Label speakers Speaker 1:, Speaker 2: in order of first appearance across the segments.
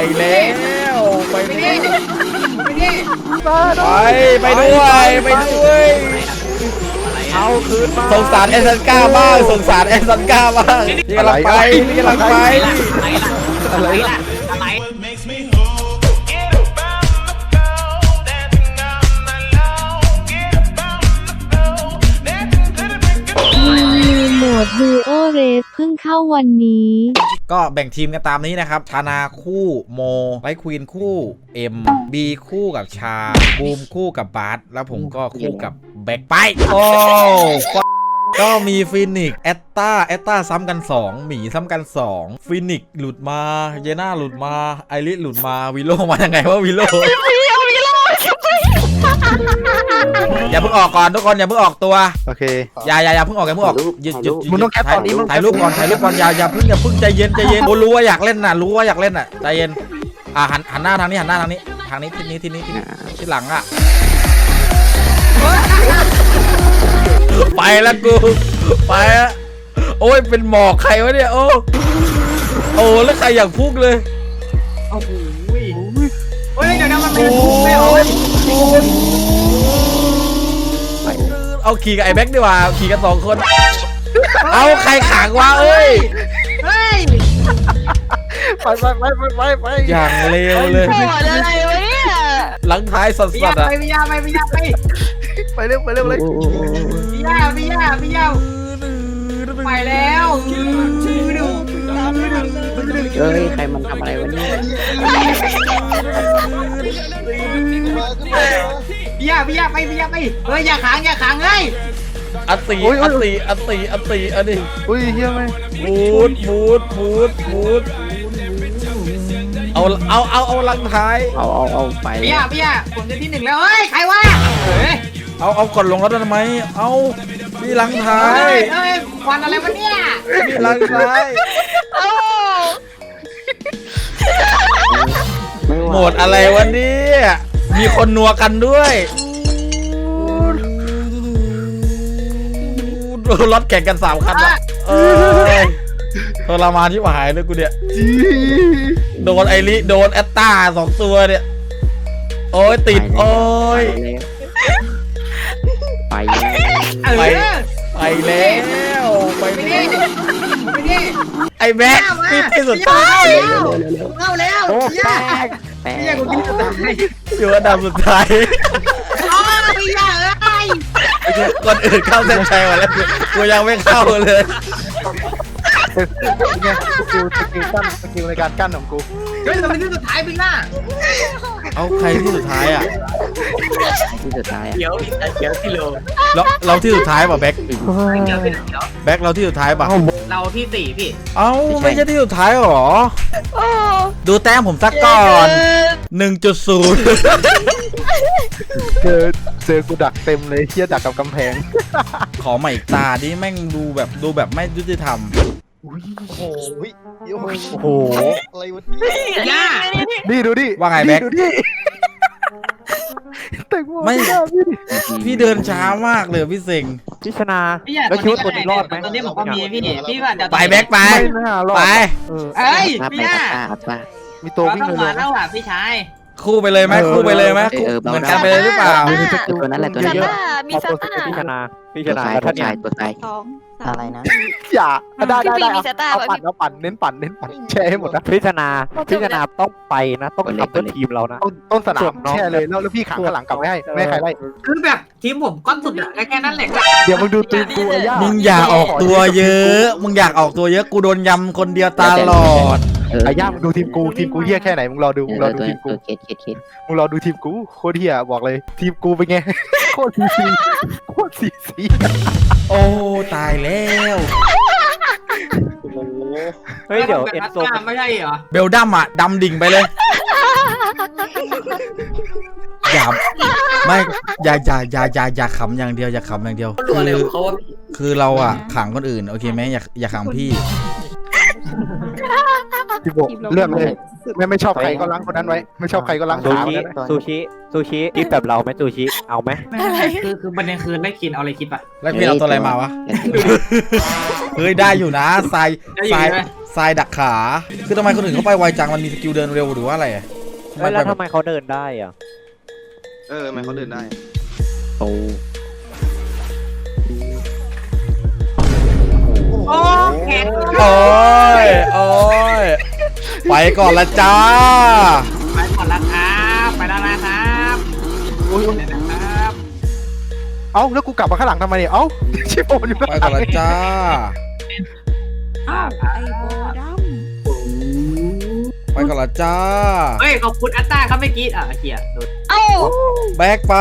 Speaker 1: แล้วไปด้วย
Speaker 2: เอาคืนมา
Speaker 1: สงสารแอสซันก้าบ้างสงสารแอสซันก้าบ้างนี่กำลังไปนี่กำลังไป
Speaker 2: อะไรล่ะ
Speaker 3: โหมดดูโอเรสเพิ่งเข้าวันนี้
Speaker 1: ก็แบ่งทีมกันตามนี้นะครับธนาคู่โมไลท์ควีนคู่เอ็มบีคู่กับชาบูมคู่กับบาร์สแล้วผมก็คู่กับแบ็คไปโอ้ก็มีฟินิกแอตตาซ้ำกัน2หมีซ้ำกัน2ฟินิกหลุดมาเยน่าหลุดมาไอริสหลุดมาวิโลมายังไงวะวิโลอย่าเพิ่งออกก่อนทุกคนอย่าเพิ่งออกตัว
Speaker 2: โอเค
Speaker 1: อย่าเพิ่งออกอย่าเพิ่งออกหยุด
Speaker 2: มึงต้องแคปตอนนี้มึง
Speaker 1: ถ่ายรูปก่อนอย่าเพิ่งใจเย็นกูรู้ว่าอยากเล่นน่ะใจเย็นหันหน้าทางนี้ทิศนี้ที่หลังอ่ะไปแล้วกูไปแล้วโอ้ยเป็นหมอกใครวะเนี่ยโอ้แล้วใครอยากพุ่งเลย
Speaker 4: โอ้โหเฮ้ยเดี๋ยวนะมันเป็นไม่เอา
Speaker 1: เอาขี่กับไอ้แบ็คดีกว่าขี่กัน2คนเอาใครขังวะเอ้ย
Speaker 2: ไป
Speaker 1: อย่างเร็วเลย
Speaker 3: อะไรวะเนี่ย
Speaker 1: หลังท้ายสัสๆอ่ะ
Speaker 4: ไม่ยา
Speaker 2: ไปเร็วเลย
Speaker 4: พี่ยาไปแล้ว
Speaker 5: เฮ้ยใครมันทำอะไรวะเนี่ย
Speaker 4: พี่ยาไปเฮ้ยอย่าขังเฮ้ย
Speaker 1: อัตติอันนี้
Speaker 2: อุ้ยเฮียไหม
Speaker 1: บูดเอาหลังท้าย
Speaker 5: เอาไป
Speaker 4: พี่ยาผมจะที่1แล้วเฮ้ยใครวะ
Speaker 1: เอาก่อนลงแล้วทำไมเอาพี่หลังท้าย
Speaker 4: เฮ้ยควันอะไรวะเนี่ย
Speaker 1: พี่หลังท้ายหมดอะไรวะเนี่ยมีคนนัวกันด้วยรถแข่งกัน3 คันละทรมานที่หายเลยกูเนี่ยโดนไอริโดนแอตตา2 ตัวเนี่ยโอ้ยติดโอ้ย
Speaker 5: ไป
Speaker 1: แล้วไอแบ็คที่สุดท้าย
Speaker 4: เข้าแล้ว
Speaker 5: แป๊ก
Speaker 4: พี่ยากูที่สุดท้าย
Speaker 1: อยู่อันดับสุดท้าย
Speaker 4: พี่ยา
Speaker 1: คนอื่นเข้าเส้นชัยมาแล้วกูยังไม่เข้าเลย
Speaker 2: เนี่ยสกิลในการกั้นของกู
Speaker 4: เฮ้ยทำไมที่สุดท้ายพี่หน้า
Speaker 1: เอาใครที่สุดท้ายอ่ะ
Speaker 4: เดี๋ยวที่โล
Speaker 1: เราที่สุดท้ายป่ะแบ็คแบ็คเราที่สุดท้ายป่ะ
Speaker 4: เราที่4พี่
Speaker 1: เอ้าไม่ใช่ที่สุดท้ายหรอดูแต้มผมสักก่อน 1.0
Speaker 2: เจอกูดักเต็มเลยเฮียดักกับกำแพง
Speaker 1: ขอใหม่อีกตาดิแม่งดูแบบไม่ยุติธรรม
Speaker 2: โอ้โห
Speaker 4: อะไรวะเนี่ย
Speaker 2: นี่ดูดิ
Speaker 1: ว่าไงแบ็คไม่พี่เดินช้ามากเลยพี่เซ็ง
Speaker 2: พี่ชนะแล้วคิดว่าตัวนี้รอดไหม
Speaker 4: ตอนนี้ผมก็มีพี่ว่า
Speaker 1: ไปแบ็คไป
Speaker 4: เอ้ยพี่หน้า
Speaker 2: มีตัววิ่งเลย
Speaker 4: แล้วอ่ะพี่ชาย
Speaker 1: คู่ไปเลยไหมเหมือนกันไปเลยหรือเปล่า
Speaker 5: ตัวนั้นแหละตัวนี้
Speaker 3: มีซาต้า
Speaker 2: พี่ชนะ
Speaker 5: ตัวตายอะไรนะ
Speaker 2: อย่าได้เอาปั่นเน้นปั่นแช่ให้หมดนะพี่ชนะต้องไปนะต้องขับเพื่อทีมเรานะต้นสนามแช่เลยแล้วพี่ขังข้างหลังกลับไว้ให้ไม่ใครไล่
Speaker 4: คือแบบทีมผมก้อนสุดอะแค่นั้นแหละ
Speaker 2: เดี๋ยวมึงดูตีมกู
Speaker 1: มึงอยากออกตัวเยอะกูโดนยำคนเดียวตลอด
Speaker 2: ไอ้ย่ามึงดูทีมกูเฮี้ยแค่ไหนมึงรอดูทีมกูมึงรอดูทีมกูโคตรเฮี้ยบอกเลยทีมกูเป็นไงโคตรซี
Speaker 1: โอ้ตายแล้ว
Speaker 2: เฮ้ยเดี๋ยวเอ็นโซ
Speaker 4: ไม่ใช่เหรอ
Speaker 1: เบลดัมอ่ะดำดิ่งไปเลยอย่าไม่อย่าขำอย่างเดียวคือเราอ่ะขังคนอื่นโอเคไหมอย่าขังพี่
Speaker 2: พี่โบเลือกเลยไม่ชอบใครก็ล้างคนนั้นไว้ไม่ชอบใครก็ล้างขาซูชิคิดแบบเราไหมซูชิเอาไหม
Speaker 4: คือประเด็นคือได้กินเอาอะไรคิดปะ
Speaker 1: แล้วพี่เอาตัวอะไรมาวะเฮ้ยได้อยู่นะทรทรายดักขาคือทำไมคนอื่นเขาไปไวจังมันมีสกิลเดินเร็วหรือว่าอะไรอะ
Speaker 2: แล้วทำไมเขาเดินได้อ่ะ
Speaker 6: ทำไมเขาเดินได้
Speaker 5: โอ้
Speaker 4: โอ้แข็ง
Speaker 1: โอ้ยโอ้ยไปก่อนละจ้า
Speaker 4: ไปก่อนละครับไปแล้วนะครับ
Speaker 2: โอ้ย
Speaker 4: นะครับ
Speaker 2: เอ้าแล้วกูกลับมาข้างหลังทำไมเนี่ยเอ้าชิโบอยู่
Speaker 1: ไปก่อนละจ้า
Speaker 3: อ้าวไอโบด
Speaker 1: ไปก่อนละจ้า
Speaker 4: เฮ้ยขอบคุณอัตตาครับเมื่อกี้เกียร์โดน
Speaker 3: ำเอ้า
Speaker 1: แบกไป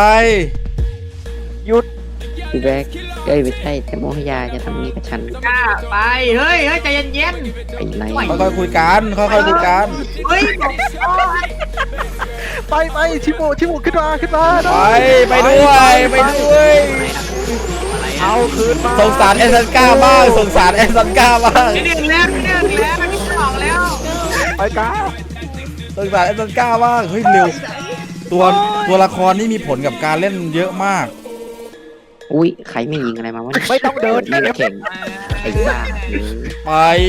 Speaker 5: พี่แบ๊กไม่ใช่แต่โมหยาจะทำนี้กับฉัน
Speaker 4: กล้าไปเฮ้ยใจเย็น
Speaker 5: ไปไหน
Speaker 1: ค่อยๆคุยกันค่อยๆคุยกัน
Speaker 4: ๆเฮ้ยบอกโอ้ย
Speaker 2: ไปชิโบขึ้นมา
Speaker 1: ไปด้วยไปด้วย
Speaker 2: เอาคืนมา
Speaker 1: สงสารเอซันก้าบ้างสงสารเอซันก้าบ้าง
Speaker 4: นิดนึงแล้วนิดสองแล้ว
Speaker 2: ไปก้า
Speaker 1: สงสารเอซันก้าบ้างเฮ้ยเร็วตัวละครนี่มีผลกับการเล่นเยอะมาก
Speaker 5: อุ้ยใครไม่ยิงอะไรมาวะ
Speaker 2: ไม่ต้องเดิน
Speaker 5: เล่นแข่งไอ้บ้า
Speaker 1: ไป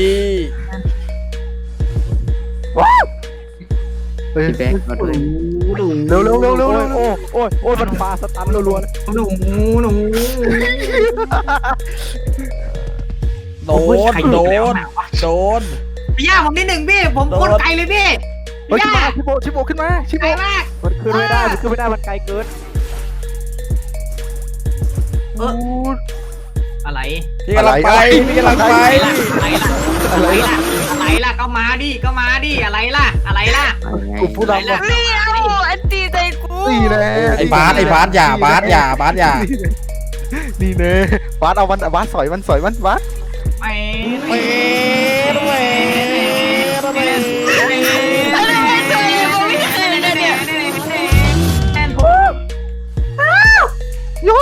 Speaker 5: พี่แบ๊กมาด้วย
Speaker 2: เร็วโอ้ยมันปาสตันรัวๆเลย
Speaker 4: หนู
Speaker 1: โดนโดน
Speaker 4: พี่ย่าผมนิดหนึ่งพี่ผมโคตรไกลเลยพี่
Speaker 2: เฮ้ย
Speaker 4: ย่า
Speaker 2: ชิโบขึ้นมา
Speaker 4: ไกลมาก
Speaker 2: มันขึ้นไม่ได้มันไกลเกิน
Speaker 4: อะไร
Speaker 1: พี่กำลังไปพี่กำลังไป
Speaker 4: อะไรล่ะก็มาดิอะไรล่ะ
Speaker 2: กูพูดแล้วว่า
Speaker 3: เฮ้ยเอ้าอันตีใจกู
Speaker 2: นี่แน่
Speaker 1: ไอ้บาสอย่าบาสอย่า
Speaker 2: นี่แน่บาสเอามันบาสสอยมันบาส
Speaker 4: ไม่
Speaker 1: เมดเมดเมด
Speaker 3: อะไรใจกูไม่เคยเลยเนี่ย
Speaker 2: ยู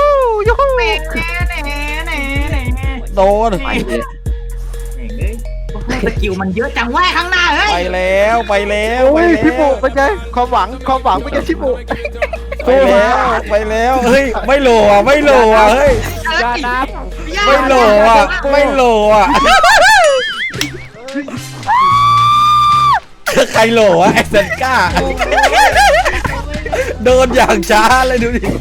Speaker 1: โดน
Speaker 5: ไปเลย
Speaker 4: สกิลมันเยอะจังว่าข้างหน้าเฮ้ย
Speaker 1: ไปแล้วไปแล้ว
Speaker 2: โอ้ยชิโบเป็นไงความหวังเป็นไงชิโบ
Speaker 1: ไปแล้วเฮ้ยไม่โหลอ่ะเฮ้ย
Speaker 2: ยานับ
Speaker 1: ไม่โหลอ่ะใครโหลวะไอ้เซนก้าโดนอย่างช้าเลยดูดิ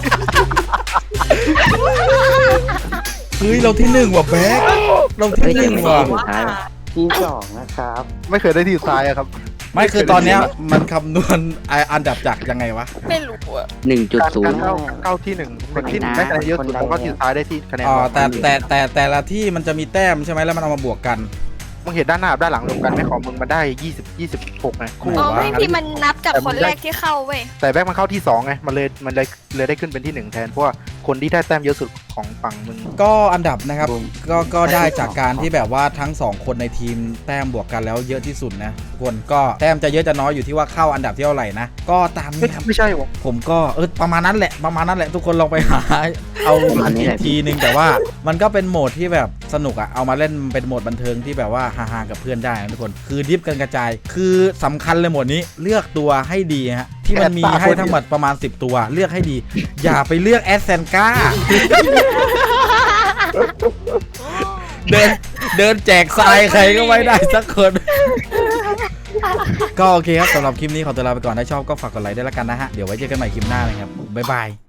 Speaker 1: เฮ้ยเราที่หนึ่งว่ะแบ๊กเราที่หนึ่งว่ะ
Speaker 5: ที่สองนะครับ
Speaker 2: ไม่เคยได้ที่ซ้ายอะครับ
Speaker 1: ไม่คือตอนเนี้ยมันคำนวณอันดับจากยังไงวะ
Speaker 3: ไม่รู้อะ
Speaker 2: การ
Speaker 5: 1.0
Speaker 2: เข้าที่หนึ่งคนที่ได้คะแนนเยอะสุดแล้วก็ที่ซ้ายได้ที่คะแนน
Speaker 1: อ๋อแต่ละที่มันจะมีแต้มใช่ไหมแล้วมันเอามาบวกกัน
Speaker 2: มึงเห็นด้านหน้าด้านหลังรวมกันไหมของมึงมันได้26ไงคู่
Speaker 3: อ๋อไม่พี่มันนับจากคนแรกที่เข้าเว้ย
Speaker 2: แต่แบ็คมันเข้าที่2ไงมันเลยได้ขึ้นเป็นที่1แทนเพราะว่าคนที่ได้แต้มเยอะสุดของฝั่งมึง
Speaker 1: ก็อันดับนะครับก็ได้จากการที่แบบว่าทั้งสองคนในทีมแต้มบวกกันแล้วเยอะที่สุดนะทุกคนก็แต้มจะเยอะจะน้อยอยู่ที่ว่าเข้าอันดับที่เท่าไหร่นะก็ตามนี้ครับ
Speaker 2: ไม่ใช่หรอ
Speaker 1: ผมก็ประมาณนั้นแหละทุกคนลองไปหาเอาอีกทีนึงแต่ว่ามันก็เป็นโหมดที่แบบสนุกอะเอามาเล่นเป็นโหมดบันเทิงที่แบบว่าฮาๆกับเพื่อนได้นะทุกคนคือดิฟกันกระจายคือสำคัญเลยโหมดนี้เลือกตัวให้ดีฮะที่มันมีให้ทั้งหมดประมาณ10ตัวเลือกให้ดีอย่าไปเลือกแอสเซนก้า เดินแจกทรายใครก็ไม่ได้สักคน ก็โอเคครับสำหรับคลิปนี้ขอตัวลาไปก่อนถ้าชอบก็ฝากกดไลค์ด้วยละกันนะฮะเดี๋ยวไว้เจอกันใหม่คลิปหน้านะครับบ๊ายบาย